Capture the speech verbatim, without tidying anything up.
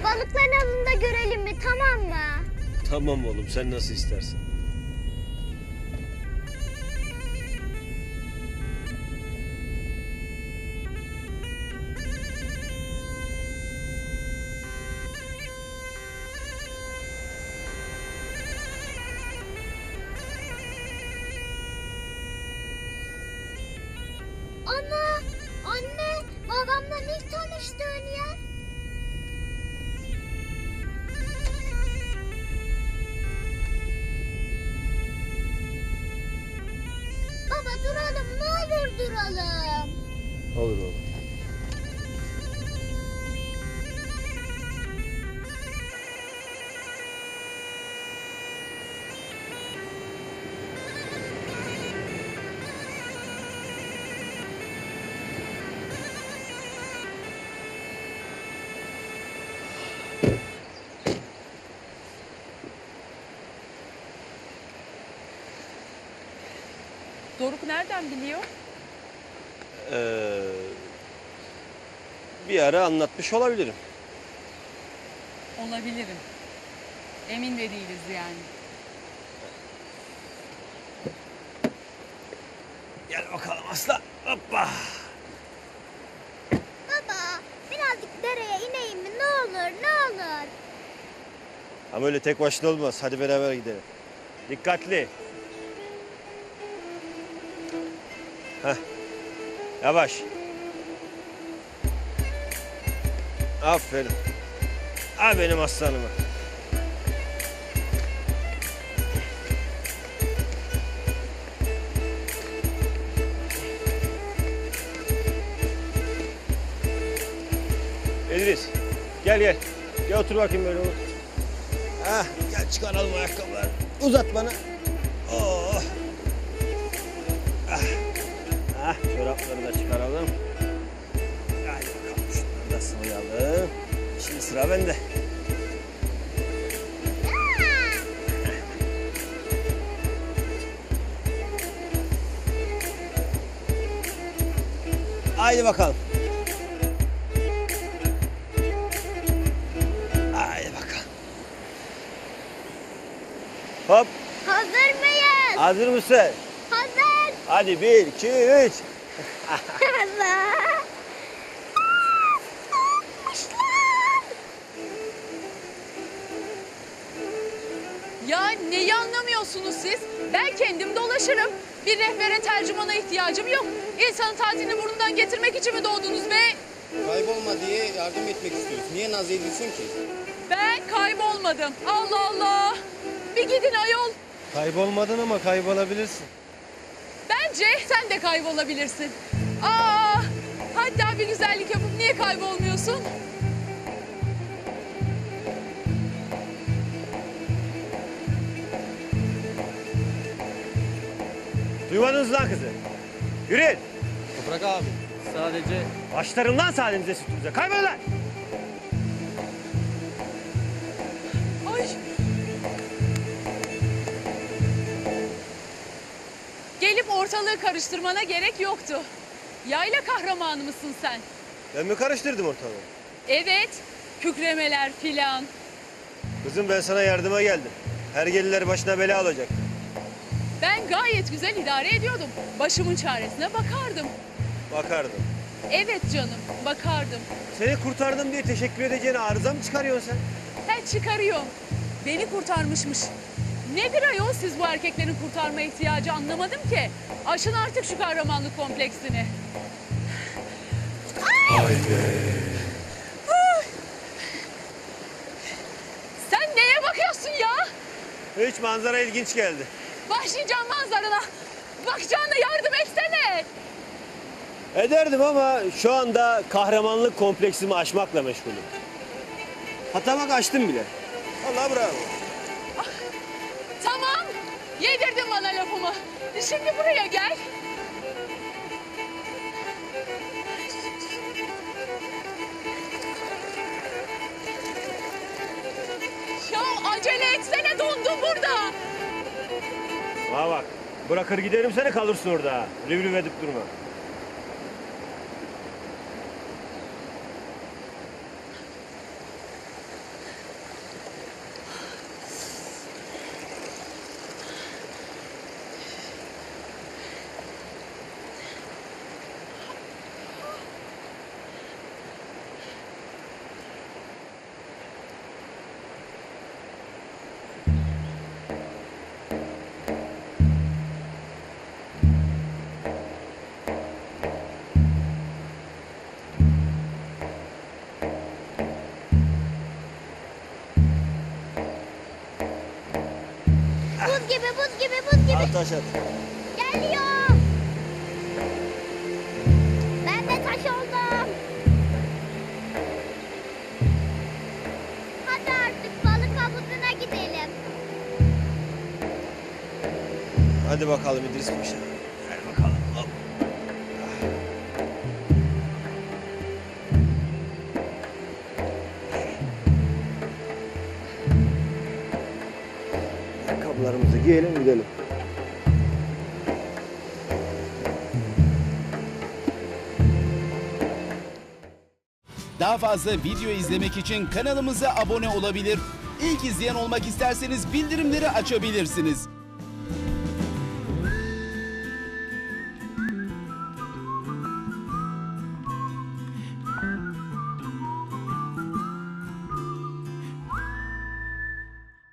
Balıkların alında görelim mi, tamam mı? Tamam oğlum, sen nasıl istersen. Ana, anne, babamla ilk tanıştığın yer. Baba duralım, ne olur duralım. Olur oğlum. Doruk nereden biliyor? Ee, bir ara anlatmış olabilirim. Olabilirim. Emin de değiliz yani. Gel bakalım aslan. Hoppa. Baba, birazcık dereye ineyim mi? Ne olur, ne olur. Ama öyle tek başına olmaz. Hadi beraber gidelim. Dikkatli. Heh. Yavaş. Aferin. Ha benim aslanıma. İdris, gel gel. Gel otur bakayım böyle otur. Hah, gel çıkaralım ayakkabıları. Uzat bana. Oh. Ah. Ah, çorapları da çıkaralım. Hadi bakalım şunları da sıvayalım. Şimdi sıra bende. Haydi bakalım. Haydi bakalım. Hop. Hazır mıyız? Hazır mısın? Hazır. Hadi bir, iki, üç. Allah. Ya neyi anlamıyorsunuz siz? Ben kendim dolaşırım. Bir rehbere tercümana ihtiyacım yok. İnsanın tatilini burnundan getirmek için mi doğdunuz be? Kaybolma diye yardım etmek istiyoruz. Niye naz ediyorsun ki? Ben kaybolmadım. Allah Allah. Bir gidin ayol. Kaybolmadın ama kaybolabilirsin. Bence sen de kaybolabilirsin. Aa, hatta bir güzellik yapıp niye kaybolmuyorsun? Duymadınız lan kızı. Yürüyün. Toprak abi sadece Başlarım lan sahnenize sütünüze. Kaybolun lan. Ay. Gelip ortalığı karıştırmana gerek yoktu. Yayla kahramanı mısın sen? Ben mi karıştırdım ortalığı? Evet, kükremeler filan. Kızım ben sana yardıma geldim. Hergeliler başına bela olacak. Ben gayet güzel idare ediyordum. Başımın çaresine bakardım. Bakardım. Evet canım, bakardım. Seni kurtardım diye teşekkür edeceğine arıza mı çıkarıyorsun sen? He çıkarıyorum. Beni kurtarmışmış. Nedir ayol siz bu erkeklerin kurtarma ihtiyacı anlamadım ki. Aşın artık şu kahramanlık kompleksini. Sen neye bakıyorsun ya? Hiç manzara ilginç geldi. Başlayacağım manzarana. Bakacağına yardım etsene. Ederdim ama şu anda kahramanlık kompleksimi aşmakla meşgulüm. Hatta bak açtım bile. Vallahi bravo. Tamam. Yedirdin bana lafımı. Şimdi buraya gel. Ya acele etsene, dondum burada. Bana bak. Bırakır giderim seni, kalırsın orada. Rüv rüv edip durma. Koş. taş at. Geliyor. Ben de taş oldum. Hadi artık balık havuzuna gidelim. Hadi bakalım İdris Paşa. Gel bakalım. Hop. Ayakkabılarımızı giyelim gidelim. Daha fazla video izlemek için kanalımıza abone olabilir. İlk izleyen olmak isterseniz bildirimleri açabilirsiniz.